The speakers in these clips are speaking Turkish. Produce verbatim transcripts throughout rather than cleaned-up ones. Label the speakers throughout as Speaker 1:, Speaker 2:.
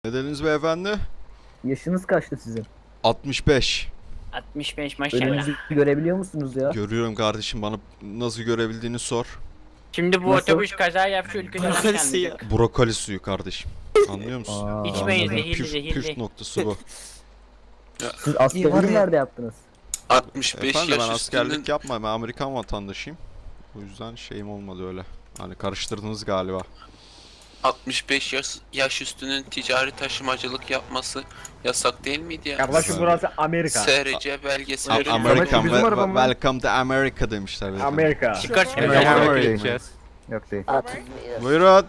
Speaker 1: Nedeniniz beyefendi?
Speaker 2: Yaşınız kaçtı sizin?
Speaker 1: altmış beş.
Speaker 3: altmış beş maşallah.
Speaker 2: Önünüzü görebiliyor musunuz ya?
Speaker 1: Görüyorum kardeşim, bana nasıl görebildiğini sor.
Speaker 3: Şimdi bu
Speaker 2: Nasıl?
Speaker 3: otobüs kaza yapsa ülkeden başkanlayacak.
Speaker 1: Brokoli suyu kardeşim. Anlıyor musun?
Speaker 2: Aa,
Speaker 3: İçmeyin,
Speaker 1: Anladım.
Speaker 3: zehirli,
Speaker 1: Püf,
Speaker 3: zehirli.
Speaker 1: püf noktası bu.
Speaker 2: Siz askerliği nerede yaptınız?
Speaker 4: altmış beş
Speaker 1: Efendim, ben
Speaker 4: yaş
Speaker 1: askerlik
Speaker 4: üstünün
Speaker 1: yapmam. Ben Amerikan vatandaşıyım. O yüzden şeyim olmadı öyle. Hani karıştırdınız galiba.
Speaker 4: altmış beş yaş, yaş üstünün ticari taşımacılık yapması yasak değil miydi ya?
Speaker 5: Kardeşim burası Amerika.
Speaker 4: S R C belgesi
Speaker 1: A-
Speaker 4: veriyor.
Speaker 1: American,
Speaker 5: bizim
Speaker 1: ve-
Speaker 5: araba mı?
Speaker 1: welcome to America demişler. beyefendi.
Speaker 5: Amerika.
Speaker 3: Çıkar çıkar.
Speaker 1: Amerika.
Speaker 2: Yok değil.
Speaker 1: Buyurun.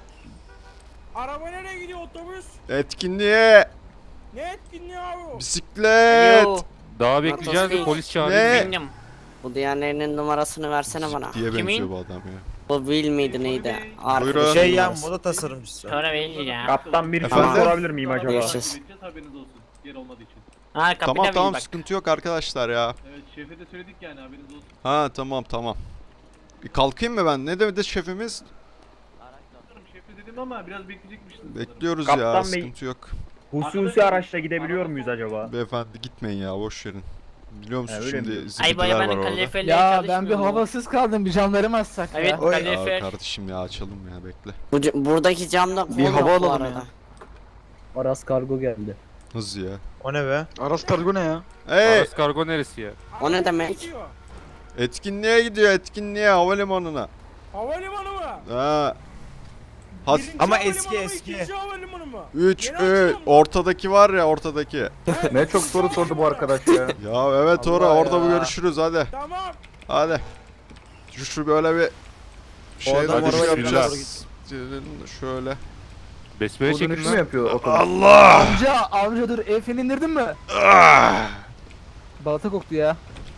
Speaker 6: Araba nereye gidiyor otobüs?
Speaker 1: Etkinliğe.
Speaker 6: Ne etkinliği abi?
Speaker 1: Bisiklet.
Speaker 3: Alo.
Speaker 7: Daha bekleyeceğiz de
Speaker 3: Motosiklет.
Speaker 7: polis çağırıyor.
Speaker 1: Ne?
Speaker 3: Benim.
Speaker 8: Bu diğerlerinin numarasını versene bana.
Speaker 1: Diye
Speaker 3: Kimin?
Speaker 1: benziyor bu adam ya.
Speaker 8: Bu Will miydi neydi?
Speaker 1: Buyurun.
Speaker 8: Arkadaşın
Speaker 9: Şey ya
Speaker 8: numarası.
Speaker 9: moda tasarımcısı.
Speaker 3: Sonra belli ya.
Speaker 5: Kaptan bir
Speaker 1: Efendim?
Speaker 5: soru sorabilir miyim acaba?
Speaker 8: Görüşürüz.
Speaker 6: Haberiniz olsun. Yer olmadığı için.
Speaker 3: Ha kapıda
Speaker 1: Tamam
Speaker 3: bil
Speaker 1: tamam,
Speaker 3: bak.
Speaker 1: sıkıntı yok arkadaşlar ya.
Speaker 6: Evet şefe de söyledik yani haberiniz olsun.
Speaker 1: Ha tamam tamam. Bir kalkayım mı ben? Ne dedi şefimiz?
Speaker 6: Sanırım şefe dedim ama biraz bekleyecekmişsiniz. sanırım.
Speaker 1: Bekliyoruz ya,
Speaker 5: Kaptan Bey.
Speaker 1: sıkıntı yok.
Speaker 5: Hususi araçla gidebiliyor muyuz acaba?
Speaker 1: Beyefendi gitmeyin ya, boş verin. Biliyor musun
Speaker 5: Ha, öyle mi
Speaker 1: şimdi
Speaker 5: diyorsun?
Speaker 3: Ay
Speaker 1: zibidiler var
Speaker 3: bayabanın
Speaker 1: orada.
Speaker 3: kaleferleri
Speaker 10: Ya
Speaker 3: çalışmıyor
Speaker 10: ben bir
Speaker 3: mu?
Speaker 10: havasız kaldım, bir camlarımı açsak
Speaker 3: Evet
Speaker 10: ya.
Speaker 9: Oy.
Speaker 1: Ya
Speaker 3: kalefer.
Speaker 1: kardeşim ya, açalım ya, bekle.
Speaker 8: Bu, ca- buradaki camda
Speaker 9: Bir
Speaker 8: kol
Speaker 9: hava
Speaker 8: yok bu
Speaker 9: alalım
Speaker 8: arada.
Speaker 9: ya.
Speaker 2: Aras kargo geldi.
Speaker 1: Hız ya.
Speaker 9: O ne be?
Speaker 7: Aras kargo ne ya?
Speaker 1: Hey!
Speaker 7: Aras kargo neresi ya?
Speaker 8: O ne demek?
Speaker 6: Gidiyor.
Speaker 1: Etkinliğe gidiyor, etkinliğe, havalimanına.
Speaker 6: Havalimanı mı?
Speaker 1: Ha. Has
Speaker 6: Birinci
Speaker 9: Ama
Speaker 6: havalimanı
Speaker 9: eski,
Speaker 6: mı,
Speaker 9: eski.
Speaker 6: ikinci havalimanı mı?
Speaker 1: üç
Speaker 6: Yeni
Speaker 1: üç
Speaker 6: açıldı mı?
Speaker 1: ortadaki var ya, ortadaki.
Speaker 5: Ne çok soru sordu bu arkadaş ya.
Speaker 1: Ya evet, ora
Speaker 9: Allah
Speaker 1: orada
Speaker 9: ya.
Speaker 1: bu görüşürüz, hadi.
Speaker 6: Tamam.
Speaker 1: Hadi. Şu, şu böyle bir şey
Speaker 9: adam
Speaker 1: hadi
Speaker 9: arabaya
Speaker 1: biraz şöyle.
Speaker 7: Besmele çekin
Speaker 5: Dönüşü mü
Speaker 7: lan.
Speaker 5: yapıyor otobüs?
Speaker 1: Allah!
Speaker 10: Amca, amca dur, el freni indirdin mi?
Speaker 1: Ah!
Speaker 10: Balata koktu ya.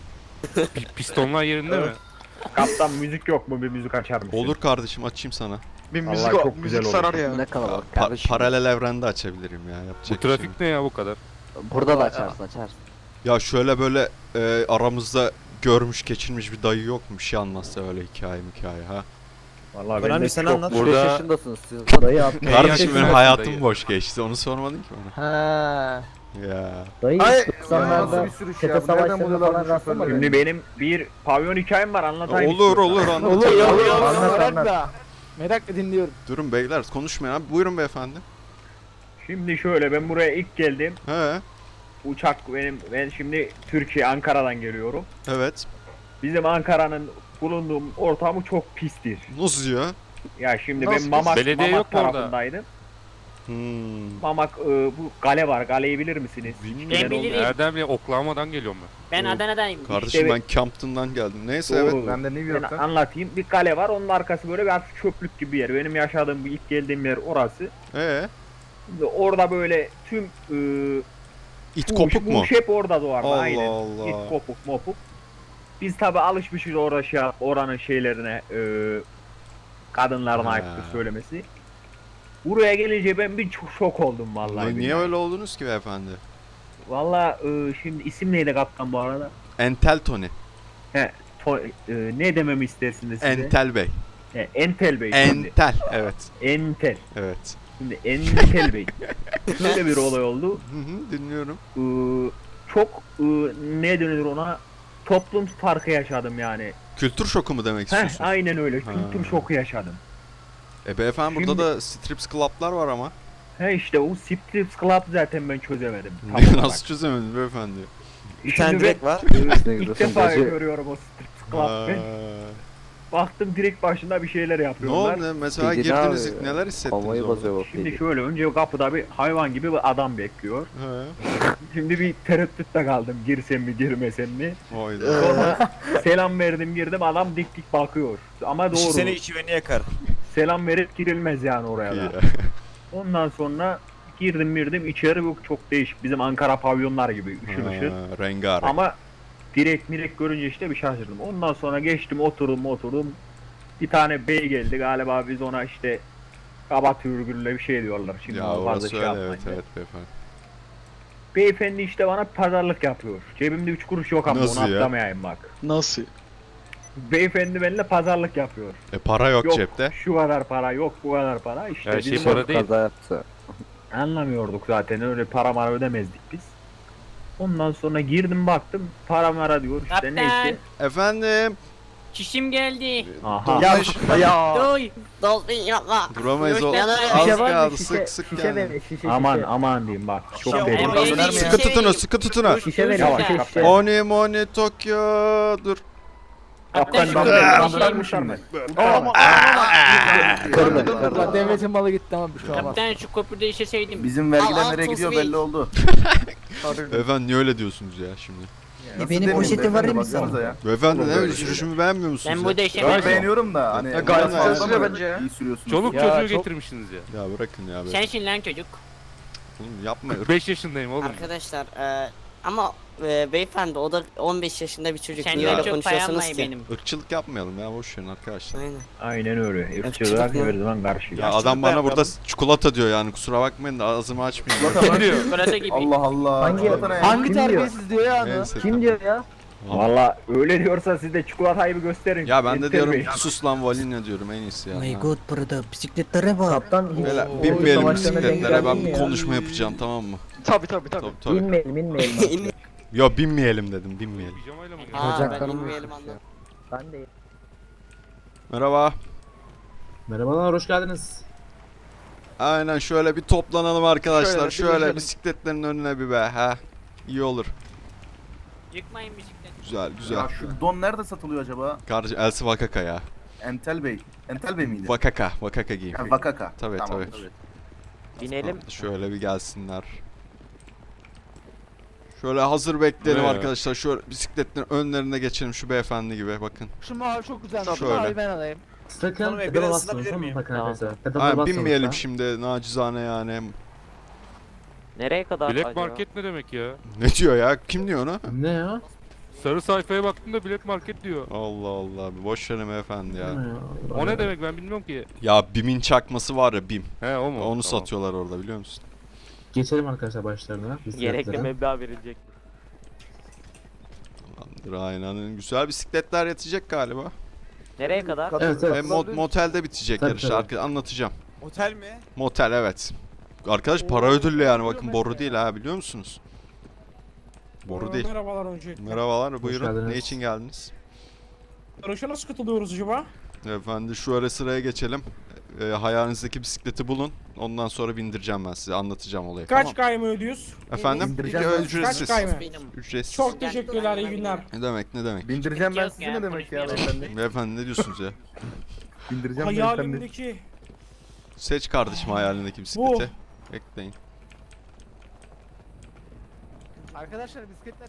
Speaker 7: Pi- Pistonlar yerinde mi?
Speaker 5: Kaptan müzik yok mu? Bir müzik açar mısın?
Speaker 1: Olur kardeşim, açayım sana.
Speaker 9: Bir
Speaker 5: Vallahi
Speaker 9: müzik,
Speaker 5: çok
Speaker 9: o,
Speaker 5: güzel
Speaker 9: müzik
Speaker 5: olur.
Speaker 9: sarar ya.
Speaker 2: Ne kalabalık
Speaker 1: Pa-
Speaker 2: kardeşim.
Speaker 1: paralel evrende açabilirim ya,
Speaker 7: Bu
Speaker 1: yapacak bir şey yok.
Speaker 7: trafik ne ya bu kadar?
Speaker 2: Burada da açarsın açarsın.
Speaker 1: Ya şöyle böyle e, aramızda görmüş geçirmiş bir dayı yok mu, bir şey anlatsa öyle hikaye hikaye ha.
Speaker 5: Vallahi
Speaker 9: Önemli,
Speaker 5: bende
Speaker 9: sen
Speaker 5: çok-
Speaker 9: anlat.
Speaker 7: Burada-
Speaker 2: beş yaşındasınız siz. Dayı at.
Speaker 1: Kardeşim benim
Speaker 7: yaşındasın
Speaker 1: hayatım
Speaker 7: dayı?
Speaker 1: boş geçti, onu sormadın ki bana.
Speaker 10: Ha.
Speaker 1: Ya.
Speaker 2: Dayı
Speaker 9: Ay,
Speaker 2: doksanlarda
Speaker 5: bir sürü şey
Speaker 2: çete
Speaker 5: ya, bu nereden
Speaker 2: savaşlarına
Speaker 5: buluyorlar
Speaker 2: falan
Speaker 5: bu
Speaker 2: rastlamadın.
Speaker 5: Şimdi benim bir pavyon hikayem var, anlatayım.
Speaker 1: Olur
Speaker 5: istiyorsan.
Speaker 1: olur anlat.
Speaker 10: Olur ya, olur ya.
Speaker 2: Anlat,
Speaker 10: Merak
Speaker 2: anlat.
Speaker 10: da. Merakla dinliyorum.
Speaker 1: Durun beyler, konuşmayın abi, buyurun beyefendi.
Speaker 5: Şimdi şöyle, ben buraya ilk geldim.
Speaker 1: He,
Speaker 5: Uçak benim, ben şimdi Türkiye, Ankara'dan geliyorum.
Speaker 1: evet.
Speaker 5: Bizim Ankara'nın bulunduğum ortamı çok pistir.
Speaker 1: Nasıl ya?
Speaker 5: Ya şimdi
Speaker 9: Nasıl
Speaker 5: ben Mamak,
Speaker 7: Belediye
Speaker 5: Mamak
Speaker 7: yok mu orada?
Speaker 5: tarafındaydım.
Speaker 1: Hmm.
Speaker 5: Mamak e, bu kale var. Kaleyi bilir misiniz?
Speaker 1: Bilmiyorum.
Speaker 3: Ben
Speaker 5: Neden
Speaker 3: bilirim.
Speaker 5: oldu?
Speaker 7: Nereden bile Oklahoma'dan geliyorum ben.
Speaker 3: Ben
Speaker 1: Oo.
Speaker 3: Adana'dayım.
Speaker 1: Kardeşim
Speaker 5: İşte
Speaker 1: ben Campton'dan geldim. Neyse
Speaker 5: Doğru.
Speaker 1: evet.
Speaker 5: Ben de New York'tan. anlatayım. Bir kale var. Onun arkası böyle bir hafif çöplük gibi bir yer. Benim yaşadığım, bu ilk geldiğim yer orası.
Speaker 1: Ee,
Speaker 5: Şimdi orada böyle tüm e,
Speaker 1: it
Speaker 5: bu,
Speaker 1: kopuk
Speaker 5: bu
Speaker 1: mu?
Speaker 5: hep orada doğardı.
Speaker 1: Allah
Speaker 5: Aynen.
Speaker 1: Allah.
Speaker 5: İt kopuk mopuk. Biz tabi alışmışız orada şey yap- oranın şeylerine, e, kadınların
Speaker 1: Ha.
Speaker 5: ayıptır söylemesi. Buraya gelince ben bir çok şok oldum vallahi.
Speaker 1: Niye, niye
Speaker 5: billahi.
Speaker 1: öyle oldunuz ki beyefendi?
Speaker 5: Vallahi e, şimdi isim neydi kaptan bu arada?
Speaker 1: Entel Tony.
Speaker 5: To- e, ne dememi istersiniz size?
Speaker 1: Entel Bey.
Speaker 5: He, Entel Bey şimdi.
Speaker 1: Entel. Evet.
Speaker 5: Entel.
Speaker 1: Evet.
Speaker 5: Şimdi Entel Bey. Şöyle bir olay oldu.
Speaker 1: Hı hı, dinliyorum.
Speaker 5: Ee, çok e, ne denir ona? Toplum farkı yaşadım yani.
Speaker 1: Kültür şoku mu demek
Speaker 5: Heh,
Speaker 1: istiyorsun?
Speaker 5: aynen öyle.
Speaker 1: Ha.
Speaker 5: Kültür şoku yaşadım.
Speaker 1: E beyefendi, burada
Speaker 5: Şimdi-
Speaker 1: da strips club'lar var ama.
Speaker 5: He işte o Strips Club zaten ben çözemedim. Tam
Speaker 1: Nasıl
Speaker 5: olarak.
Speaker 1: çözemediniz beyefendi?
Speaker 9: Bir tane
Speaker 5: Şimdi
Speaker 9: direkt var.
Speaker 5: ben, e, ilk defa görüyorum o Strips Club.
Speaker 1: Ha.
Speaker 5: Ben baktım direkt başında bir şeyler
Speaker 1: Ne
Speaker 5: yapıyorlar.
Speaker 1: oldu? Mesela
Speaker 2: Bilgi
Speaker 1: girdiniz,
Speaker 2: abi,
Speaker 1: ilk neler hissettiniz
Speaker 2: Havayı
Speaker 1: orada?
Speaker 2: basıyor bak.
Speaker 5: Şimdi şöyle, önce kapıda bir hayvan gibi bir adam bekliyor.
Speaker 1: He.
Speaker 5: Şimdi bir tereddütte kaldım, girsem mi girmesem mi.
Speaker 1: Oyda.
Speaker 5: Sonra selam verdim, girdim, adam dik dik bakıyor. Ama
Speaker 9: İşi
Speaker 5: doğru.
Speaker 9: seni içi beni yakar.
Speaker 5: Selam verip girilmez yani oraya
Speaker 1: İyi
Speaker 5: da.
Speaker 1: ya.
Speaker 5: Ondan sonra girdim girdim içeri, bu çok değişik. Bizim Ankara pavyonlar gibi ışıl ışıl.
Speaker 1: Ha, rengarenk.
Speaker 5: Ama direkt mirek görünce işte bir şaşırdım. Ondan sonra geçtim, oturdum oturdum. Bir tane bey geldi galiba, biz ona işte kaba türgülle bir şey diyorlar. Şimdi
Speaker 1: Ya
Speaker 5: ona fazla
Speaker 1: orası
Speaker 5: şey
Speaker 1: öyle,
Speaker 5: yapmayın
Speaker 1: evet
Speaker 5: da.
Speaker 1: evet beyefendi.
Speaker 5: Beyefendi işte bana pazarlık yapıyor. Cebimde üç kuruş yok ama
Speaker 1: Nasıl
Speaker 5: onu
Speaker 1: ya?
Speaker 5: atlamayayım bak.
Speaker 9: Nasıl?
Speaker 5: Beyefendi benimle pazarlık yapıyor.
Speaker 1: E para yok,
Speaker 5: Yok
Speaker 1: cepte.
Speaker 5: şu kadar para, yok bu kadar para. İşte
Speaker 7: Her şey
Speaker 5: bizim-
Speaker 7: para değil.
Speaker 2: Kaza yaptı.
Speaker 5: Anlamıyorduk zaten, öyle para mara ödemezdik biz. Ondan sonra girdim baktım para mara diyor işte,
Speaker 3: Kaptan.
Speaker 5: neyse.
Speaker 1: Efendim.
Speaker 3: Çişim geldi.
Speaker 5: Aha.
Speaker 2: Ya ya.
Speaker 3: Doy.
Speaker 8: Dolphin yapma.
Speaker 1: Duramayız o.
Speaker 3: Yok,
Speaker 1: Az
Speaker 2: Şişe var
Speaker 1: kaldı
Speaker 2: mı?
Speaker 1: sık
Speaker 2: Şişe,
Speaker 1: sık
Speaker 2: şişe
Speaker 1: yani.
Speaker 2: ver, şişe,
Speaker 5: Aman
Speaker 2: şişe.
Speaker 5: aman diyeyim bak, çok
Speaker 3: Ya,
Speaker 5: derin.
Speaker 3: oraya değil,
Speaker 1: Sıkı
Speaker 3: şey-
Speaker 1: tutun, sıkı tutun.
Speaker 2: Şişe ver,
Speaker 5: Yavaş,
Speaker 2: şişe,
Speaker 5: kaptan.
Speaker 2: şişe.
Speaker 1: Oni moni Tokyo. Dur.
Speaker 3: Kaptan şu
Speaker 5: Ben-
Speaker 3: köprüde
Speaker 5: ben-
Speaker 3: şey-
Speaker 5: ben- uçarım.
Speaker 2: Kırdı, kırdı.
Speaker 10: Ulan devletin malı gitti ama bir şey olmaz.
Speaker 3: Kaptan şu köprüde işeseydim.
Speaker 2: Bizim
Speaker 8: vergiler nereye gidiyor belli
Speaker 2: oldu.
Speaker 1: Beyefendi niye öyle diyorsunuz ya şimdi?
Speaker 2: Benim poşetim var mı sana?
Speaker 1: Beyefendi ne sürüşümü beğenmiyor musunuz
Speaker 3: Ben
Speaker 1: ya?
Speaker 3: burada işemedim.
Speaker 2: beğeniyorum da hani
Speaker 1: gayet fazla
Speaker 2: bence ya. İyi sürüyorsunuz.
Speaker 7: Çoluk
Speaker 10: Ya,
Speaker 7: çocuğu
Speaker 10: çok-
Speaker 7: getirmişsiniz ya.
Speaker 1: Ya bırakın ya. Be.
Speaker 3: Sensin lan çocuk.
Speaker 1: Oğlum yapma.
Speaker 7: kırk beş yaşındayım oğlum.
Speaker 8: Arkadaşlar e, ama e, beyefendi o da on beş yaşında bir çocuk. Niye
Speaker 3: Senden
Speaker 8: öyle
Speaker 3: çok payam
Speaker 8: konuşuyorsunuz
Speaker 3: var
Speaker 8: ki?
Speaker 3: benim.
Speaker 1: Irkçılık yapmayalım ya, boş verin arkadaşlar.
Speaker 8: Aynen.
Speaker 5: Aynen öyle.
Speaker 8: Irkçılık
Speaker 5: Irkçılığa
Speaker 8: mı?
Speaker 5: her zaman karşıyız.
Speaker 1: Ya adam bana burada çikolata diyor yani, kusura bakmayın da ağzımı açmayayım.
Speaker 7: Ne diyor?
Speaker 3: Çikolata gibi.
Speaker 2: Allah Allah. Hangi
Speaker 10: Hangi terbiyesiz diyor ya onu?
Speaker 1: Neyse,
Speaker 2: Kim
Speaker 1: tamam.
Speaker 2: diyor ya?
Speaker 5: Valla öyle diyorsa siz de çikolatayı bir gösterin.
Speaker 1: Ya ben de
Speaker 5: Enter
Speaker 1: diyorum
Speaker 5: Bey.
Speaker 1: sus lan Valina diyorum, en iyisi ya. Ha.
Speaker 2: burada bisikletlere bak. Kaptan hiç
Speaker 1: Böyle
Speaker 2: o
Speaker 1: binmeyelim
Speaker 2: savaşlarına denk
Speaker 1: bisikletlere, ben
Speaker 2: geldin
Speaker 1: bir
Speaker 2: mi ya?
Speaker 1: konuşma yapacağım, tamam mı?
Speaker 10: Tabi tabi tabi.
Speaker 1: Tabii tabii.
Speaker 2: Binmeyelim, binmeyelim.
Speaker 1: Ya binmeyelim dedim, binmeyelim.
Speaker 7: Pijamayla mı geldin?
Speaker 8: Aa ben
Speaker 2: Bacaklarım
Speaker 8: bilmeyelim
Speaker 2: uyuşmuş
Speaker 8: anladım.
Speaker 2: Ben de.
Speaker 1: Merhaba.
Speaker 6: Merhabalar, hoş geldiniz.
Speaker 1: Aynen şöyle bir toplanalım arkadaşlar.
Speaker 10: Şöyle,
Speaker 1: Şöyle,
Speaker 10: birleşelim.
Speaker 1: bisikletlerin önüne bir be. Ha. İyi olur.
Speaker 3: Yıkmayın bisiklet.
Speaker 1: Güzel güzel.
Speaker 11: Ya şu don nerede satılıyor acaba?
Speaker 1: Kardeşim Elsi Vakaka ya.
Speaker 11: Entel Bey. Entel Bey miydi?
Speaker 1: Vakaka. Vakaka giyim.
Speaker 11: Ha, Vakaka.
Speaker 1: Tabii,
Speaker 11: Tamam,
Speaker 1: tabii.
Speaker 2: Binelim.
Speaker 1: Şöyle bir gelsinler. Şöyle hazır bekleyelim
Speaker 7: Ne ya?
Speaker 1: arkadaşlar. Şöyle bisikletlerin önlerine geçelim şu beyefendi gibi, bakın.
Speaker 10: Şu mavi çok güzel. Şu
Speaker 1: Şöyle.
Speaker 10: mavi ben alayım.
Speaker 6: Sakın pedala basmayın, tamam mı? Bakın arkadaşlar. Pedala
Speaker 1: Ha,
Speaker 6: basmayın
Speaker 1: binmeyelim
Speaker 6: lütfen.
Speaker 1: şimdi nacizane yani.
Speaker 2: Nereye kadar
Speaker 7: Black market ne demek ya?
Speaker 1: Ne diyor ya? Kim diyor onu?
Speaker 6: Ne ya?
Speaker 7: Sarı sayfaya baktım da black market diyor.
Speaker 1: Allah Allah. Boş verin beyefendi ya.
Speaker 6: Ne ya?
Speaker 7: O ne demek ben bilmiyorum ki.
Speaker 1: Ya BİM'in çakması var ya, BİM.
Speaker 7: He o mu?
Speaker 1: Onu
Speaker 7: Tamam.
Speaker 1: satıyorlar orada, biliyor musun?
Speaker 6: Geçelim arkadaşlar başlarına. bisikletlere.
Speaker 2: meblağ verilecek.
Speaker 1: Tamamdır, aynen. Güzel bisikletler yetecek galiba.
Speaker 2: Nereye kadar?
Speaker 6: Evet
Speaker 1: Hem
Speaker 6: evet.
Speaker 1: mo- motelde bitecek
Speaker 6: Tabii,
Speaker 1: yarış.
Speaker 6: tabii.
Speaker 1: Arka- anlatacağım.
Speaker 9: Otel mi?
Speaker 1: Motel, evet. Arkadaş para ödüllü yani, bakın boru değil ha, biliyor musunuz? Boru değil.
Speaker 6: Merhabalar önce.
Speaker 1: Merhabalar, buyurun.
Speaker 6: geldiniz.
Speaker 1: Ne için geldiniz?
Speaker 6: Yarışa nasıl katılıyoruz acaba?
Speaker 1: Efendim şöyle sıraya geçelim. Ee, hayalinizdeki bisikleti bulun. Ondan sonra bindireceğim ben size, anlatacağım olayı.
Speaker 6: Kaç kayma ödüyoruz?
Speaker 1: Efendim?
Speaker 2: Bindireceğim
Speaker 1: İlk
Speaker 2: ben.
Speaker 1: ücretsiz.
Speaker 6: Kaç kayma?
Speaker 3: Benim.
Speaker 1: Ücretsiz.
Speaker 6: Çok teşekkürler, iyi günler.
Speaker 1: Ne demek, ne demek?
Speaker 2: Bindireceğim ben
Speaker 3: Yok
Speaker 2: sizi
Speaker 3: ya,
Speaker 2: ne demek ya
Speaker 3: konuşmayalım.
Speaker 2: beyefendi?
Speaker 1: Beyefendi ne diyorsunuz ya?
Speaker 2: Bindireceğim beyefendi.
Speaker 6: Hayalimdeki
Speaker 1: Seç kardeşim hayalindeki bisikleti. Bekleyin.
Speaker 10: Arkadaşlar bisikletler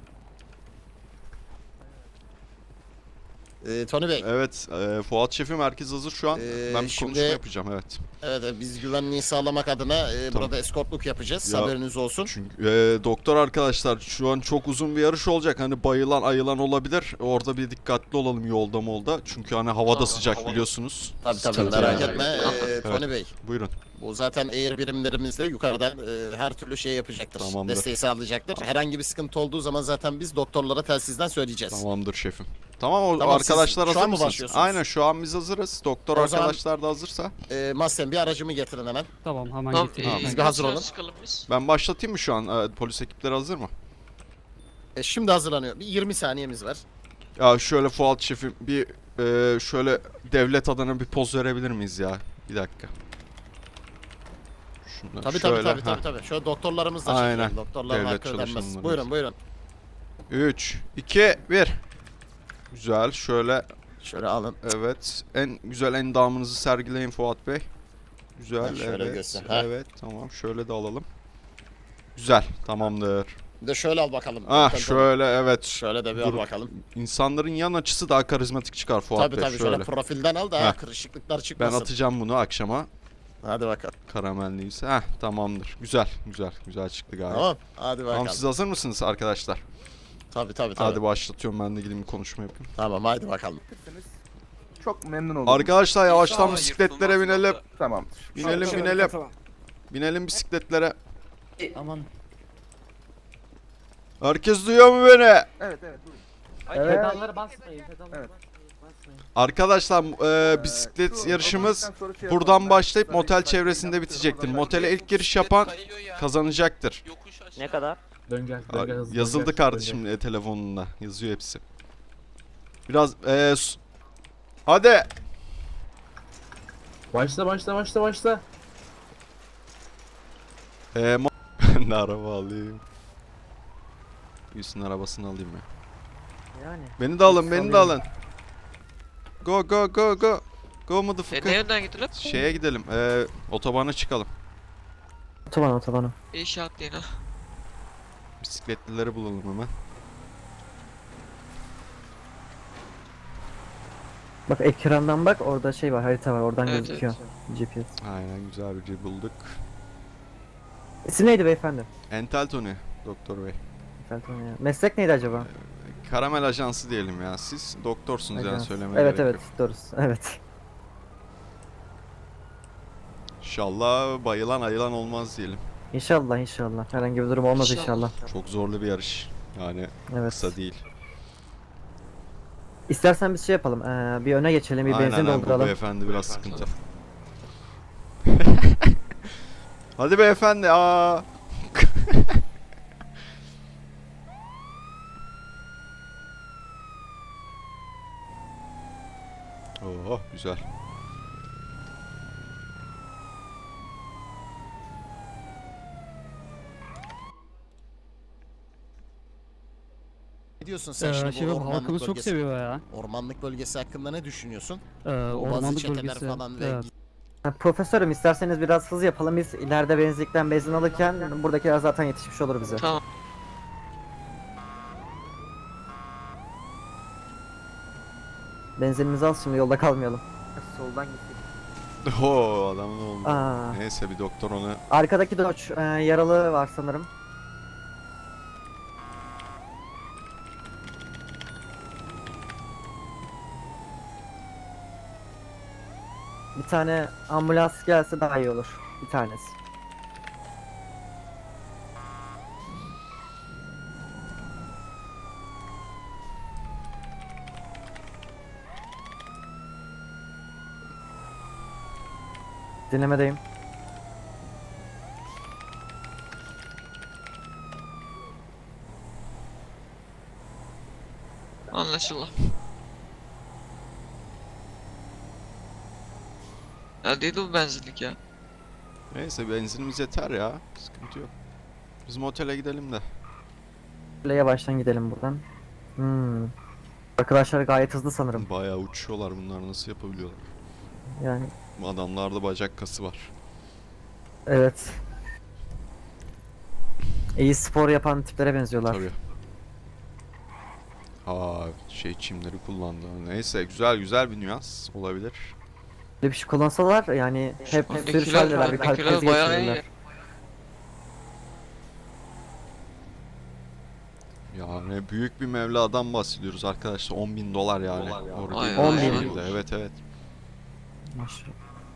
Speaker 12: Ee, Tony Bey,
Speaker 1: Evet, e, Fuat Şefim, herkes hazır şu an.
Speaker 12: Ee,
Speaker 1: ben bir
Speaker 12: şimdi-
Speaker 1: konuşma yapacağım, evet.
Speaker 12: evet e, biz güvenliği sağlamak adına e,
Speaker 1: Tamam.
Speaker 12: burada eskortluk yapacağız.
Speaker 1: Ya-
Speaker 12: Haberiniz olsun.
Speaker 1: Çünkü e, doktor arkadaşlar, şu an çok uzun bir yarış olacak. Hani bayılan ayılan olabilir. Orada bir dikkatli olalım yolda molda. Çünkü hani havada sıcak, biliyorsunuz.
Speaker 12: Tabii tabii
Speaker 1: Sıkıntı
Speaker 12: merak
Speaker 1: yani.
Speaker 12: etme. Ee, Tony Bey,
Speaker 1: Buyurun.
Speaker 12: bu zaten air birimlerimiz de yukarıdan e, her türlü şey yapacaktır.
Speaker 1: Tamamdır.
Speaker 12: Desteği sağlayacaktır. Herhangi bir sıkıntı olduğu zaman zaten biz doktorlara telsizden söyleyeceğiz.
Speaker 1: Tamamdır şefim. Tamam, o
Speaker 12: Tamam,
Speaker 1: arkadaşlar
Speaker 12: siz şu
Speaker 1: hazır
Speaker 12: an mı
Speaker 1: mısınız?
Speaker 12: başlıyorsunuz?
Speaker 1: Aynen, şu an biz hazırız. Doktor
Speaker 12: O zaman-
Speaker 1: arkadaşlar da hazırsa.
Speaker 12: Ee, Mahsen bir aracımı getirin hemen.
Speaker 10: Tamam hemen
Speaker 4: Tamam,
Speaker 10: getireyim.
Speaker 12: Siz bir hazır olun.
Speaker 1: Ben başlatayım mı şu an? E, polis ekipleri hazır mı?
Speaker 12: E, şimdi hazırlanıyor. Bir yirmi saniyemiz var.
Speaker 1: Ya şöyle Fuat şefim, bir e, şöyle devlet adına bir poz verebilir miyiz ya? Bir dakika. Şunu
Speaker 12: Tabii
Speaker 1: şöyle,
Speaker 12: tabii tabii
Speaker 1: ha.
Speaker 12: tabii tabii. Şöyle doktorlarımız da
Speaker 1: Aynen.
Speaker 12: çekiyor. Doktorların
Speaker 1: Devlet
Speaker 12: hakkı ödenmez.
Speaker 1: çalışanlarımız.
Speaker 12: Buyurun buyurun.
Speaker 1: üç, iki, bir. Güzel, şöyle,
Speaker 12: Şöyle alın.
Speaker 1: evet. En güzel endamınızı sergileyin Fuat Bey. Güzel,
Speaker 12: Ha, şöyle
Speaker 1: evet.
Speaker 12: göster, ha.
Speaker 1: Evet, tamam. Şöyle de alalım. Güzel, tamamdır.
Speaker 12: Bir de şöyle al bakalım.
Speaker 1: Ah,
Speaker 12: Doktor Tony.
Speaker 1: şöyle, evet.
Speaker 12: Şöyle de bir
Speaker 1: Dur.
Speaker 12: al bakalım.
Speaker 1: İnsanların yan açısı daha karizmatik çıkar Fuat
Speaker 12: Tabii
Speaker 1: Bey.
Speaker 12: tabii şöyle.
Speaker 1: şöyle.
Speaker 12: profilden al da
Speaker 1: Heh.
Speaker 12: kırışıklıklar
Speaker 1: Ben
Speaker 12: çıkmasın.
Speaker 1: atacağım bunu akşama.
Speaker 12: Hadi bakalım.
Speaker 1: Karamelliyse. Heh, tamamdır. Güzel, güzel. Güzel çıktı galiba.
Speaker 12: Tamam. Hadi bakalım.
Speaker 1: Tamam, siz hazır mısınız arkadaşlar?
Speaker 12: Tabii tabii tabii.
Speaker 1: Hadi başlatıyorum, ben de gideyim bir konuşma yapayım.
Speaker 12: Tamam hadi bakalım.
Speaker 11: Çok memnun oldum.
Speaker 1: Arkadaşlar yavaştan
Speaker 4: Aa,
Speaker 1: bisikletlere
Speaker 4: yırtılmaz
Speaker 1: binelim.
Speaker 4: yolda.
Speaker 11: Tamam.
Speaker 1: Binelim binelim. Binelim bisikletlere.
Speaker 10: Aman.
Speaker 1: Herkes duyuyor mu beni?
Speaker 11: Evet evet. Buyurun.
Speaker 2: Evet.
Speaker 10: Pedalları basmayın. Pedalları
Speaker 11: Evet.
Speaker 10: basmayın.
Speaker 1: Arkadaşlar e, bisiklet yarışımız buradan başlayıp motel çevresinde bitecektir. Motele ilk giriş yapan kazanacaktır.
Speaker 4: Yokuş aşağı.
Speaker 2: Ne kadar?
Speaker 1: Aa, yazıldı kardeşim e, telefonunda. Yazıyor hepsi. Biraz e, s- hadi.
Speaker 6: Başla başla başla başla.
Speaker 1: E, mo- ben de araba alayım. Gülsün arabasını alayım ya.
Speaker 2: Yani.
Speaker 1: Beni de alın, beni de alın. Go go go go. Go motherfucker.
Speaker 3: Nereden gidilir?
Speaker 1: Şeye gidelim. E, otobana çıkalım.
Speaker 2: Otoban otobanı.
Speaker 3: İnşaat değil ha.
Speaker 1: Bisikletlileri bulalım hemen.
Speaker 2: Bak ekrandan bak orada şey var harita var oradan
Speaker 3: Evet,
Speaker 2: gözüküyor. G P S.
Speaker 1: Aynen güzel bir şey bulduk.
Speaker 2: İsim neydi beyefendi?
Speaker 1: Entel Tony, Doktor Bey.
Speaker 2: Felton ya. Meslek neydi acaba?
Speaker 1: Karamel Ajansı diyelim ya. Siz doktorsunuz yani
Speaker 2: Ajans.
Speaker 1: söylemeye
Speaker 2: Evet
Speaker 1: gerek
Speaker 2: evet
Speaker 1: yok.
Speaker 2: doğrusu. Evet.
Speaker 1: İnşallah bayılan ayılan olmaz diyelim.
Speaker 2: İnşallah inşallah. Herhangi bir durum olmaz inşallah.
Speaker 1: Çok zorlu bir yarış. Yani
Speaker 2: Evet.
Speaker 1: kısa değil.
Speaker 2: İstersen biz şey yapalım. Ee, bir öne geçelim, bir
Speaker 1: Aynen
Speaker 2: benzin
Speaker 1: aynen, bu
Speaker 2: dolduralım.
Speaker 1: beyefendi biraz sıkıntı. Hadi beyefendi aa. Oh güzel.
Speaker 12: Ne diyorsun sen şimdi bu
Speaker 10: Şefim
Speaker 12: ormanlık
Speaker 10: halkımız çok
Speaker 12: bölgesi,
Speaker 10: seviyor ya.
Speaker 12: ormanlık bölgesi hakkında ne düşünüyorsun?
Speaker 10: Ee,
Speaker 12: O bazı
Speaker 10: ormanlık
Speaker 12: çeteler
Speaker 10: bölgesi.
Speaker 12: falan ve
Speaker 10: Evet.
Speaker 2: Ha, profesörüm isterseniz biraz hız yapalım. Biz ileride benzinlikten benzin alırken buradakiler zaten yetişmiş olur bize.
Speaker 3: Tamam.
Speaker 2: Benzinimizi al şimdi yolda kalmayalım. Soldan gittik.
Speaker 1: Oo adamın oldu.
Speaker 2: Aa,
Speaker 1: Neyse bir doktor onu
Speaker 2: arkadaki Dodge e, yaralı var sanırım. Bir tane ambulans gelse daha iyi olur. Bir tanesi. Dinlemedeyim.
Speaker 3: Anlaşıldı. Ya değil bu benzinlik ya.
Speaker 1: Neyse benzinimiz yeter ya. Sıkıntı yok. Biz motele gidelim de.
Speaker 2: Böyle yavaştan gidelim buradan. Hmm. Arkadaşlar gayet hızlı sanırım.
Speaker 1: Bayağı uçuyorlar bunlar nasıl yapabiliyorlar?
Speaker 2: Yani
Speaker 1: Adamlarda bacak kası var.
Speaker 2: evet. İyi spor yapan tiplere benziyorlar.
Speaker 1: Tabii. Aa şey çimleri kullandı. Neyse güzel güzel bir nüans olabilir.
Speaker 2: Böyle bir şey kullansalar yani hep
Speaker 3: Öndekiler-
Speaker 2: sürüşerler bir kalp
Speaker 3: öndekiler
Speaker 2: krizi
Speaker 3: bayağı iyi.
Speaker 2: geçirirler.
Speaker 1: Yani büyük bir mevladan bahsediyoruz arkadaşlar. on bin dolar yani.
Speaker 3: Vay
Speaker 1: Orada
Speaker 3: vay
Speaker 2: On
Speaker 1: bir
Speaker 2: bin.
Speaker 1: şekilde. Evet evet.
Speaker 2: Maşallah.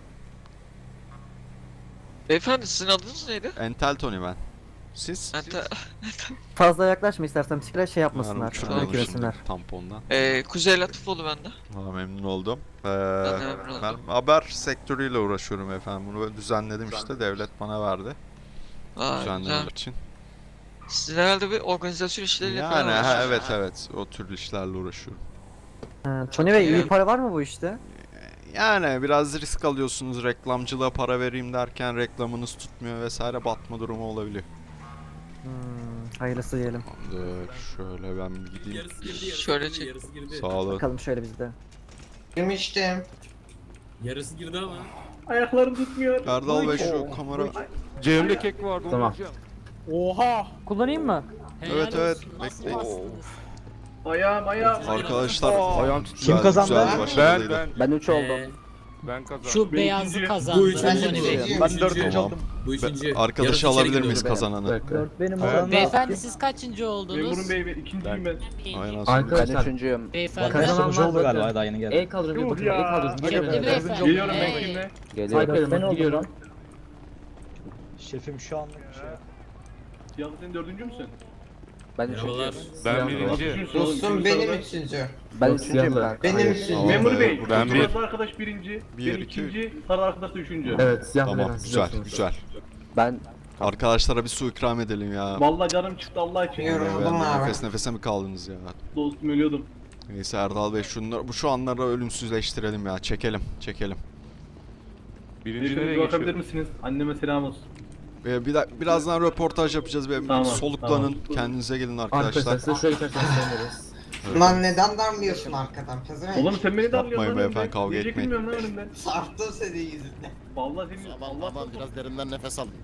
Speaker 3: Beyefendi sizin adınız neydi?
Speaker 1: Entel Tony ben. Siz?
Speaker 3: Ente...
Speaker 2: Fazla yaklaşma istersen bisiklete şey yapmasınlar.
Speaker 1: Umarım uçurmayalım
Speaker 2: Dökülesinler.
Speaker 1: şimdi tampondan.
Speaker 3: Ee, Kuzey Latifoğlu bende.
Speaker 1: Valla memnun oldum. Ee,
Speaker 3: Ben de memnun
Speaker 1: ben
Speaker 3: oldum.
Speaker 1: haber sektörüyle uğraşıyorum efendim. Bunu böyle düzenledim işte. Devlet bana verdi.
Speaker 3: Aa,
Speaker 1: Düzenlemek
Speaker 3: güzel.
Speaker 1: için.
Speaker 3: Siz herhalde bir organizasyon işleriyle
Speaker 1: Yani
Speaker 3: falan
Speaker 1: ha,
Speaker 3: uğraşıyorsunuz.
Speaker 1: evet evet. O tür işlerle uğraşıyorum.
Speaker 2: Ha, Tony Bey iyi
Speaker 3: Yani-
Speaker 2: para var mı bu işte?
Speaker 1: Yani biraz risk alıyorsunuz. Reklamcılığa para vereyim derken reklamınız tutmuyor vesaire, batma durumu olabiliyor.
Speaker 2: Hmm, hayırlısı diyelim.
Speaker 1: Tamamdır. Şöyle ben bir gideyim.
Speaker 3: Şöyle çek.
Speaker 1: Sağ olun.
Speaker 2: Bakalım şöyle bizde.
Speaker 10: Girmiştim.
Speaker 6: Yarısı girdi ama.
Speaker 5: Ayaklarım tutmuyor.
Speaker 1: Erdal Bey şu kamera.
Speaker 7: Cem'de kek vardı.
Speaker 5: Tamam.
Speaker 7: Onu alacağım.
Speaker 10: Oha!
Speaker 2: Kullanayım mı?
Speaker 1: Evet evet. Bekleyin.
Speaker 5: Ayağım ayağım.
Speaker 1: Arkadaşlar.
Speaker 7: Ayağım
Speaker 1: güzel-
Speaker 7: Kim
Speaker 1: kazandı? Güzel bir
Speaker 7: Ben
Speaker 1: başarıydı.
Speaker 7: ben
Speaker 10: Ben üç oldum.
Speaker 7: ben kazandım.
Speaker 3: Şu beyazlı kazandı.
Speaker 6: Bu üçüncü.
Speaker 3: Tony Bey.
Speaker 10: Ben dördüncü
Speaker 1: Tamam.
Speaker 10: oldum.
Speaker 6: Bu
Speaker 1: Be-
Speaker 6: üçüncü.
Speaker 1: Arkadaşı
Speaker 6: Yarısı
Speaker 1: alabilir
Speaker 6: içeri
Speaker 1: miyiz
Speaker 6: giriyordu.
Speaker 1: kazananı?
Speaker 10: Dört benim
Speaker 2: Ee,
Speaker 10: oranla.
Speaker 3: Beyefendi siz kaçıncı oldunuz?
Speaker 5: Memurun bey ikinciyim ben.
Speaker 1: Aynen.
Speaker 10: Ben üçüncüyüm.
Speaker 3: Beyefendi.
Speaker 2: Kazanan var zaten.
Speaker 10: daha yeni geldi.
Speaker 11: El kaldırın
Speaker 5: Yuh ya.
Speaker 3: Şimdi beyefendi.
Speaker 5: Geliyorum ben
Speaker 3: Ee,
Speaker 5: kimle?
Speaker 10: Geliyorum. Ben oldum.
Speaker 11: Şefim şu anlık bir şey.
Speaker 5: Yalnız sen dördüncü müsün?
Speaker 10: Ben üçüncüyüm.
Speaker 7: Ben birinci.
Speaker 10: Dostum benim üçüncü.
Speaker 2: Ben üçüncüyüm kanka.
Speaker 10: Benim üçüncü.
Speaker 6: Memur Bey,
Speaker 7: Ben bir-
Speaker 6: kırmızı arkadaş birinci,
Speaker 1: Bir,
Speaker 6: ben
Speaker 1: iki,
Speaker 6: ikinci, sarı arkadaş da üçüncü.
Speaker 10: Evet siyah
Speaker 1: Tamam güzel güzel.
Speaker 2: Ben
Speaker 1: Arkadaşlara bir su ikram edelim ya.
Speaker 6: Vallahi canım çıktı Allah için.
Speaker 1: Ben nefes nefese mi kaldınız ya?
Speaker 6: Dostum ölüyordum.
Speaker 1: Neyse Erdal Bey şunları, bu şu anları ölümsüzleştirelim ya. Çekelim çekelim.
Speaker 7: Birinci
Speaker 6: Beyefendi
Speaker 7: nereye
Speaker 6: bir bakabilir
Speaker 7: geçiyor?
Speaker 6: misiniz? Anneme selam olsun.
Speaker 1: Ee, bir da- birazdan röportaj yapacağız. Bir
Speaker 6: Tamam,
Speaker 1: soluklanın. Kendinize gelin arkadaşlar.
Speaker 10: size şöyle iterseniz seviniriz.
Speaker 13: Lan neden darlıyorsun arkadan pezevenk?
Speaker 6: Oğlum sen beni darlıyorsun
Speaker 1: Yapmayın
Speaker 6: lan
Speaker 1: beyefendi,
Speaker 6: önümden.
Speaker 1: kavga
Speaker 6: Diyecek
Speaker 1: etmeyin.
Speaker 6: bilmiyorum lan önümden.
Speaker 13: Sarttım senin yüzünden.
Speaker 6: Vallahi senin
Speaker 12: Aman
Speaker 6: Allah
Speaker 12: aman biraz derinden nefes alın.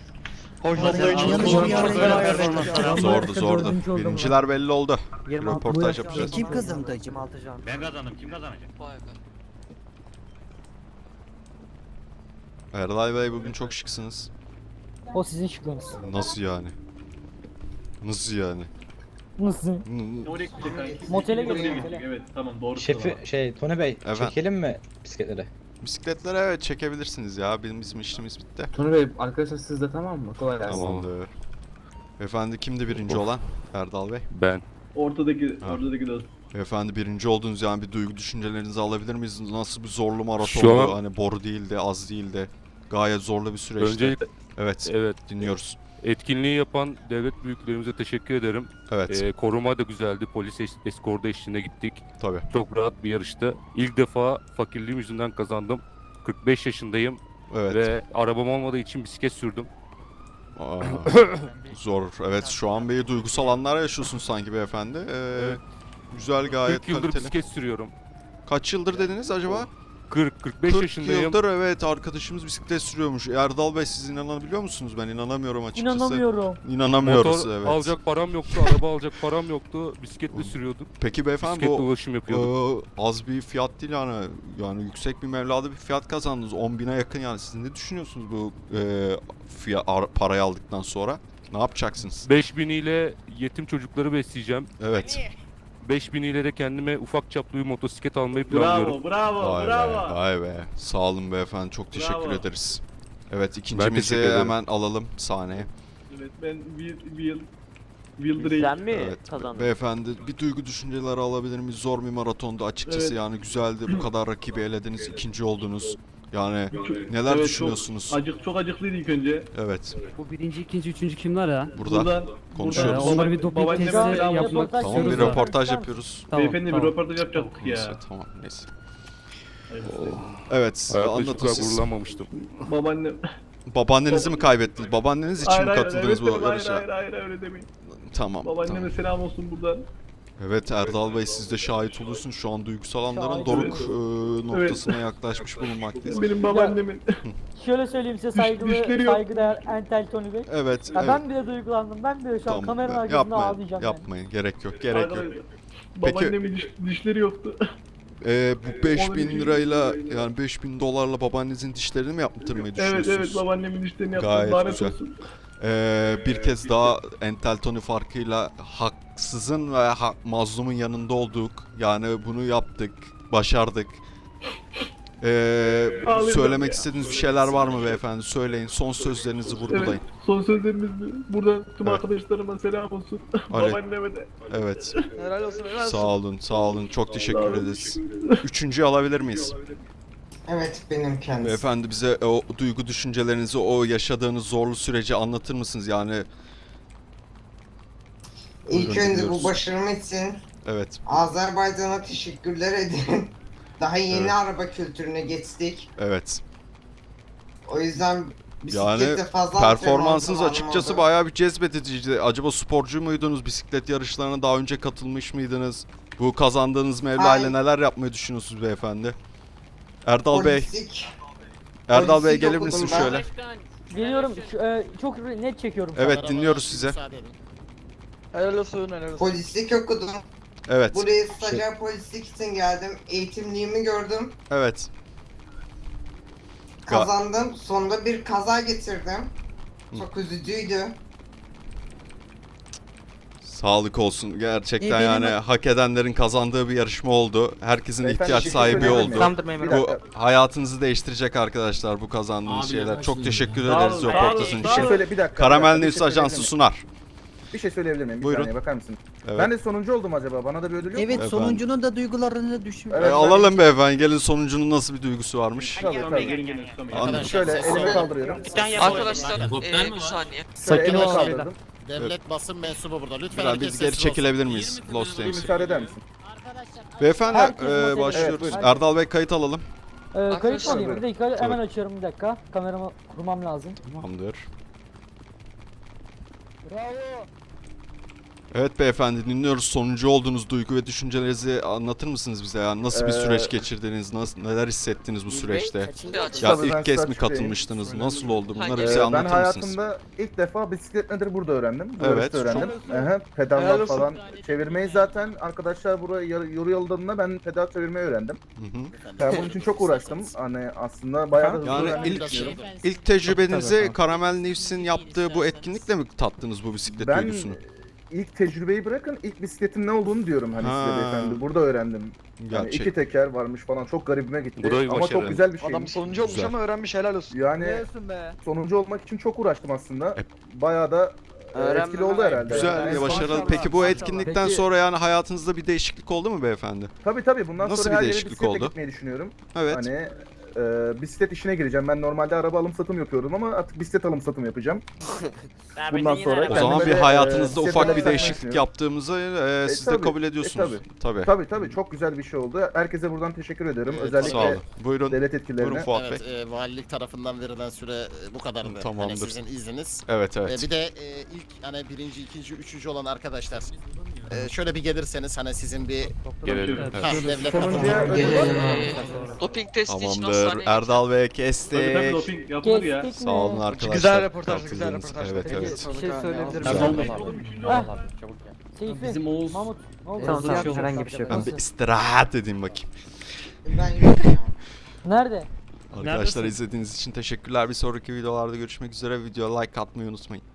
Speaker 1: Zordu zordu. Birinciler belli oldu.
Speaker 2: yirmi altı
Speaker 1: Röportaj yapacağız.
Speaker 2: Kim kazandı? yirmi altı can.
Speaker 3: Ben kazandım. Kim kazanacak?
Speaker 1: Erdal Bey bugün çok şıksınız.
Speaker 2: O sizin şıkkınız.
Speaker 1: Nasıl yani? Nasıl yani?
Speaker 2: Nasıl?
Speaker 1: N-
Speaker 6: Oraya gidecek kanki.
Speaker 2: Motele
Speaker 6: Oraya
Speaker 2: gidiyor,
Speaker 6: gidecek,
Speaker 2: motele.
Speaker 6: Evet tamam doğru.
Speaker 10: Şefi şey Tony Bey
Speaker 1: Efendim?
Speaker 10: çekelim mi bisikletleri?
Speaker 1: Bisikletlere evet çekebilirsiniz ya. Bizim, bizim işimiz bitti.
Speaker 10: Tony Bey arkadaşlar siz de tamam mı? Kolay gelsin.
Speaker 1: Tamamdır. Efendi kimdi birinci olan? Erdal Bey.
Speaker 7: Ben.
Speaker 6: Ortadaki,
Speaker 1: Ha.
Speaker 6: ortadaki dost.
Speaker 1: Efendi birinci oldunuz yani bir duygu düşüncelerinizi alabilir miyiz? Nasıl bir zorlu maraton
Speaker 7: Şu an-
Speaker 1: oldu? Hani boru değildi, az değildi. Gayet zorlu bir süreçti.
Speaker 7: Öncelikle
Speaker 1: Evet,
Speaker 7: evet
Speaker 1: dinliyoruz.
Speaker 7: etkinliği yapan devlet büyüklerimize teşekkür ederim.
Speaker 1: Evet,
Speaker 7: Ee, koruma da güzeldi. Polis es- eskorda eşliğinde gittik.
Speaker 1: tabii.
Speaker 7: Çok rahat bir yarıştı. İlk defa fakirliğim yüzünden kazandım. kırk beş yaşındayım
Speaker 1: Evet.
Speaker 7: ve arabam olmadığı için bisiklet sürdüm.
Speaker 1: Aa, zor. Evet, şu an bir duygusal anlar yaşıyorsun sanki beyefendi. Ee,
Speaker 7: Evet.
Speaker 1: Güzel, gayet
Speaker 7: kırk yıldır
Speaker 1: kaliteli.
Speaker 7: bisiklet sürüyorum.
Speaker 1: Kaç yıldır dediniz acaba?
Speaker 7: kırk kırk beş
Speaker 1: kırk
Speaker 7: yaşındayım.
Speaker 1: yıldır evet arkadaşımız bisiklet sürüyormuş. Erdal Bey siz inanabiliyor musunuz? Ben inanamıyorum açıkçası.
Speaker 2: İnanamıyorum.
Speaker 1: İnanamıyoruz
Speaker 7: Motor
Speaker 1: evet.
Speaker 7: alacak param yoktu, araba alacak param yoktu. Bisikletle sürüyorduk.
Speaker 1: Peki beyefendi
Speaker 7: Bisikletle
Speaker 1: bu
Speaker 7: ulaşım yapıyorduk.
Speaker 1: Ee, az bir fiyat değil yani. Yani yüksek bir mevlada bir fiyat kazandınız. on bine yakın yani. Siz ne düşünüyorsunuz bu e, fiyat, ar- parayı aldıktan sonra? Ne yapacaksınız?
Speaker 7: beş bin ile yetim çocukları besleyeceğim.
Speaker 1: Evet.
Speaker 7: beş bin ile de kendime ufak çaplı bir motosiklet almayı planlıyorum.
Speaker 6: Bravo, bravo,
Speaker 1: Vay be,
Speaker 6: bravo.
Speaker 1: vay be. Sağ olun beyefendi. Çok teşekkür
Speaker 6: Bravo.
Speaker 1: ederiz. Evet ikincimizi
Speaker 7: teşekkür ederim.
Speaker 1: hemen alalım sahneye.
Speaker 6: Evet ben Will, Will, Will Drake.
Speaker 2: mi
Speaker 1: Evet. Beyefendi bir duygu düşünceleri alabilir miyiz? Zor bir maratondu açıkçası
Speaker 6: Evet.
Speaker 1: yani güzeldi. Bu kadar rakibi elediniz. ikinci oldunuz. Yani neler
Speaker 6: Evet,
Speaker 1: düşünüyorsunuz?
Speaker 6: Çok, acık, çok acıklıydı ilk önce.
Speaker 1: Evet.
Speaker 3: Bu birinci, ikinci, üçüncü kimler ya?
Speaker 1: Burada
Speaker 6: Buradan,
Speaker 1: konuşuyoruz.
Speaker 6: buradan
Speaker 3: Onlara bir doping
Speaker 6: babaanneme
Speaker 3: testi
Speaker 6: selam olsun.
Speaker 3: yapmak
Speaker 1: Tamam bir
Speaker 3: istiyoruz da.
Speaker 1: röportaj yapıyoruz.
Speaker 3: Tamam,
Speaker 6: Beyefendi bir
Speaker 3: tamam.
Speaker 6: röportaj yapacaktık
Speaker 1: Neyse
Speaker 6: ya.
Speaker 1: tamam neyse.
Speaker 6: Hayırlısı.
Speaker 1: Evet
Speaker 7: Hayatta hiç bu
Speaker 1: anlatın
Speaker 7: kadar
Speaker 1: siz.
Speaker 7: gururlanmamıştım.
Speaker 6: Babaannem.
Speaker 1: Babaannenizi mi kaybettiniz? Babaanneniz için
Speaker 6: Hayır,
Speaker 1: mi
Speaker 6: hayır,
Speaker 1: katıldınız
Speaker 6: evet,
Speaker 1: bu
Speaker 6: hayır,
Speaker 1: yarışa?
Speaker 6: hayır, hayır, hayır, öyle demeyin.
Speaker 1: Tamam.
Speaker 6: Babaanneme
Speaker 1: tamam.
Speaker 6: selam olsun buradan.
Speaker 1: Evet Erdal Bey siz de şahit olursunuz. Şu an duygusal anların
Speaker 2: Şahit
Speaker 1: doruk
Speaker 6: oluyorum.
Speaker 1: e, noktasına yaklaşmış bulunmaktayız.
Speaker 6: Benim babaannemin.
Speaker 2: Şöyle söyleyeyim size
Speaker 6: saygılı- düşleri yok.
Speaker 2: saygıdeğer Entel Tony Bey.
Speaker 1: Evet.
Speaker 2: Ya
Speaker 1: evet.
Speaker 2: ben bile duygulandım. Ben bile şu an
Speaker 1: Tamam,
Speaker 2: kameranın
Speaker 1: ben-
Speaker 2: arkasında
Speaker 1: yapmayın,
Speaker 2: ağlayacağım. yani.
Speaker 1: yapmayın. Gerek yok, gerek yok.
Speaker 6: Arkadaşlar, Babaannemin diş, dişleri yoktu.
Speaker 1: Ee, bu beş
Speaker 6: Onun
Speaker 1: bin
Speaker 6: için-
Speaker 1: lirayla yani beş bin dolarla babaannenizin dişlerini mi yaptırmayı
Speaker 6: evet
Speaker 1: düşünüyorsunuz?
Speaker 6: evet babaannemin dişlerini yaptım.
Speaker 1: Gayet
Speaker 6: Lanet
Speaker 1: güzel.
Speaker 6: olsun.
Speaker 1: Ee, bir kez daha Entel Tony farkıyla haksızın ve ha- mazlumun yanında olduk. Yani bunu yaptık, başardık. Ee,
Speaker 6: Ağlayacağım
Speaker 1: söylemek
Speaker 6: ya.
Speaker 1: istediğiniz bir şeyler var mı beyefendi? Söyleyin, son sözlerinizi vurgulayın.
Speaker 6: Evet, son sözlerimiz bu. Burada tüm
Speaker 1: Evet.
Speaker 6: arkadaşlarıma selam olsun.
Speaker 1: Aleyküm.
Speaker 6: Babaanneme de.
Speaker 1: Evet.
Speaker 10: Helal olsun helal
Speaker 1: Sağ olun, sağ olun. Çok
Speaker 6: Sağ
Speaker 1: teşekkür
Speaker 6: olun.
Speaker 1: ederiz. Üçüncüyü alabilir miyiz?
Speaker 13: Evet benim kendisi.
Speaker 1: Beyefendi bize o duygu düşüncelerinizi, o yaşadığınız zorlu süreci anlatır mısınız? Yani
Speaker 13: İlk
Speaker 1: Buyurun,
Speaker 13: önce
Speaker 1: dinliyoruz.
Speaker 13: bu başarım için
Speaker 1: evet,
Speaker 13: Azerbaycan'a teşekkürler edin. Daha yeni
Speaker 1: Evet.
Speaker 13: araba kültürüne geçtik.
Speaker 1: evet.
Speaker 13: O yüzden
Speaker 1: Yani
Speaker 13: bisiklette fazla
Speaker 1: performansınız
Speaker 13: antrenman
Speaker 1: açıkçası
Speaker 13: zamanım oldu.
Speaker 1: bayağı bir cezbediciydi. Acaba sporcu muydunuz? Bisiklet yarışlarına daha önce katılmış mıydınız? Bu kazandığınız mevla ile
Speaker 13: Hayır.
Speaker 1: neler yapmayı düşünüyorsunuz beyefendi? Erdal Bey,
Speaker 13: Polislik.
Speaker 1: Erdal Bey
Speaker 13: polislik
Speaker 1: gelir
Speaker 13: okudum
Speaker 1: misin
Speaker 13: ben.
Speaker 1: şöyle?
Speaker 2: Geliyorum. Şu, e, çok net çekiyorum.
Speaker 1: Evet
Speaker 12: Kameralara
Speaker 1: dinliyoruz size.
Speaker 12: müsaade edin.
Speaker 10: Helal olsun helal olsun.
Speaker 13: Polislik okudum.
Speaker 1: Evet,
Speaker 13: Buraya stajyer polislik için geldim. Eğitimliğimi gördüm.
Speaker 1: evet. Ga-
Speaker 13: Kazandım. Sonunda bir kaza getirdim. Çok üzücüydü.
Speaker 1: Sağlık olsun. Gerçekten
Speaker 2: İyi, benim-
Speaker 1: yani hak edenlerin kazandığı bir yarışma oldu. Herkesin
Speaker 11: Beyefendi,
Speaker 1: ihtiyaç
Speaker 11: bir şey
Speaker 1: sahibi
Speaker 11: söyleyebilir
Speaker 1: oldu.
Speaker 11: miyim?
Speaker 2: Tamamdır memurum.
Speaker 1: Bu hayatınızı değiştirecek arkadaşlar bu kazandığınız şeyler. Çok teşekkür
Speaker 6: Sağ
Speaker 1: ederiz
Speaker 6: olun,
Speaker 1: röportajın
Speaker 6: sağ
Speaker 11: Bir şey
Speaker 1: için.
Speaker 6: olun.
Speaker 11: söyle bir dakika.
Speaker 1: Karamel
Speaker 11: bir
Speaker 1: News
Speaker 11: şey
Speaker 1: Ajansı
Speaker 11: söyleyebilir
Speaker 1: sunar.
Speaker 11: Bir şey söyleyebilir miyim? Bir
Speaker 1: Buyurun.
Speaker 11: saniye bakar mısın?
Speaker 1: Evet.
Speaker 11: Ben de sonuncu oldum acaba. Bana da bir ödül yok mu?
Speaker 2: Evet,
Speaker 1: Efendim?
Speaker 2: sonuncunun da duygularını düşün.
Speaker 11: Evet,
Speaker 1: E, alalım beyefendi. Gelin sonuncunun nasıl bir duygusu varmış.
Speaker 11: Tabii tabii.
Speaker 6: Gelin gelin tutamayın.
Speaker 1: Anladım.
Speaker 11: Şöyle elimi kaldırıyorum.
Speaker 8: Arkadaşlar
Speaker 3: Helikopter mi
Speaker 8: bir
Speaker 3: var?
Speaker 8: saniye.
Speaker 11: Şöyle elimi
Speaker 2: ol.
Speaker 11: kaldırdım.
Speaker 12: Devlet basın mensubu burada. Lütfen
Speaker 1: Biraz
Speaker 12: herkes
Speaker 1: biz geri
Speaker 12: sessiz olsun.
Speaker 1: çekilebilir miyiz? Lost
Speaker 11: Bir
Speaker 1: Tanks.
Speaker 11: müsaade eder misin?
Speaker 1: Beyefendi
Speaker 2: Herkes
Speaker 1: e,
Speaker 2: masaya-
Speaker 1: başlıyoruz.
Speaker 11: Evet, buyurun.
Speaker 1: Erdal Bey kayıt alalım.
Speaker 8: Ee,
Speaker 11: kayıt mı alayım? Bir
Speaker 2: dakika
Speaker 1: hemen
Speaker 2: açıyorum bir dakika. Kameramı kurmam lazım.
Speaker 1: Tamamdır.
Speaker 2: Bravo.
Speaker 1: Evet beyefendi dinliyoruz. Sonuncu olduğunuz duygu ve düşüncelerinizi anlatır mısınız bize? Yani nasıl bir
Speaker 11: Ee,
Speaker 1: süreç geçirdiniz? Nasıl, neler hissettiniz bu süreçte?
Speaker 8: Kaçıncı açı?
Speaker 1: Ya
Speaker 11: Tabii ben
Speaker 1: ilk kez mi
Speaker 11: Selçuk Bey'im.
Speaker 1: katılmıştınız? Nasıl oldu? Bunları
Speaker 8: Ee,
Speaker 1: bize
Speaker 11: Ee, ben
Speaker 1: anlatır mısınız?
Speaker 11: hayatımda ilk defa bisiklet nedir burada öğrendim. Bu
Speaker 1: Evet.
Speaker 11: yarışta öğrendim. Aha,
Speaker 10: Helal
Speaker 11: pedallar
Speaker 10: olsun.
Speaker 11: falan. Çevirmeyi zaten arkadaşlar buraya yar- yoru yolladığında ben pedal çevirmeyi öğrendim.
Speaker 1: Hı hı.
Speaker 11: Ben bunun için çok uğraştım. Hani aslında bayağı da hızlı
Speaker 1: Yani
Speaker 11: öğrendim.
Speaker 1: ilk-
Speaker 12: Biraz-
Speaker 1: İlk tecrübenizi Karamel News'in yaptığı bu etkinlikle mi tattınız bu bisiklet
Speaker 11: Ben
Speaker 1: duygusunu?
Speaker 11: ilk tecrübeyi bırakın, ilk bisikletin ne olduğunu diyorum hani
Speaker 1: Ha.
Speaker 11: size beyefendi. Burada öğrendim. Yani
Speaker 1: Gerçek.
Speaker 11: iki teker varmış falan, çok garibime gitti.
Speaker 7: Bu da bir
Speaker 11: Ama
Speaker 7: başarı.
Speaker 11: çok güzel bir şey.
Speaker 10: Adam sonuncu olmuş
Speaker 1: Güzel.
Speaker 10: ama öğrenmiş, helal olsun.
Speaker 11: Yani
Speaker 2: be.
Speaker 11: sonuncu olmak için çok uğraştım aslında.
Speaker 1: E-
Speaker 11: Bayağı da e,
Speaker 8: Öğrenme
Speaker 11: etkili oldu
Speaker 8: var.
Speaker 11: herhalde.
Speaker 1: Güzel
Speaker 11: Yani
Speaker 1: ve başarılı.
Speaker 11: maşallah.
Speaker 1: Peki bu etkinlikten
Speaker 2: Peki-
Speaker 1: sonra yani hayatınızda bir değişiklik oldu mu beyefendi?
Speaker 11: Tabii tabii bundan
Speaker 1: Nasıl
Speaker 11: sonra
Speaker 1: bir
Speaker 11: her yere
Speaker 1: değişiklik
Speaker 11: bisikletle
Speaker 1: oldu?
Speaker 11: gitmeyi düşünüyorum.
Speaker 1: Evet.
Speaker 11: Hani e, bisiklet işine gireceğim. Ben normalde araba alım satım yapıyordum ama artık bisiklet alım satım yapacağım. Bundan sonra
Speaker 1: O zaman bir
Speaker 11: kendime de,
Speaker 1: hayatınızda
Speaker 11: e,
Speaker 1: ufak bir
Speaker 11: bisikletle
Speaker 1: değişiklik
Speaker 11: düşünüyorum.
Speaker 1: yaptığımızı e, siz de
Speaker 11: tabii,
Speaker 1: kabul
Speaker 11: e,
Speaker 1: ediyorsunuz. tabii.
Speaker 11: Tabii tabii çok güzel bir şey oldu. Herkese buradan teşekkür ederim.
Speaker 12: Evet,
Speaker 11: Özellikle
Speaker 1: Sağ olun. Buyurun.
Speaker 11: devlet
Speaker 1: Buyurun
Speaker 11: etkilerine.
Speaker 1: Fuat
Speaker 12: Evet,
Speaker 1: Bey.
Speaker 12: e, valilik tarafından verilen süre e, bu kadardı.
Speaker 1: Tamamdır.
Speaker 12: Hani sizin izniniz.
Speaker 1: Evet
Speaker 12: E,
Speaker 1: evet.
Speaker 12: bir de e, ilk hani birinci, ikinci, üçüncü olan arkadaşlar. E, şöyle bir gelirseniz hani sizin bir
Speaker 7: Gelelim.
Speaker 1: Evet.
Speaker 12: ha, devlet
Speaker 11: Sonuncuya
Speaker 12: tarafından-
Speaker 11: ödül var mı?
Speaker 8: Doping testi için
Speaker 1: Tamamdır.
Speaker 8: hastaneye
Speaker 1: Erdal Bey
Speaker 6: Tabii tabii
Speaker 1: kestik.
Speaker 6: doping yapılır ya.
Speaker 1: Sağ olun arkadaşlar.
Speaker 10: Güzel röportaj, güzel
Speaker 1: katıldığınız-
Speaker 10: röportaj.
Speaker 1: Evet
Speaker 10: Peki,
Speaker 1: evet.
Speaker 2: Bir şey söyleyebilir
Speaker 6: Ben
Speaker 1: Güzel.
Speaker 6: olmayayım oğlum üçüncü oldum.
Speaker 2: Seyfi,
Speaker 3: Bizim Oğuz
Speaker 2: Mahmut, ne oldu?
Speaker 3: Tamam, tamam,
Speaker 2: herhangi bir şey yok.
Speaker 1: Ben bir istirahat edeyim bakayım.
Speaker 13: Ben yürüyorum.
Speaker 2: Nerede?
Speaker 1: Arkadaşlar izlediğiniz için teşekkürler. Bir sonraki videolarda görüşmek üzere. Videoya like atmayı unutmayın.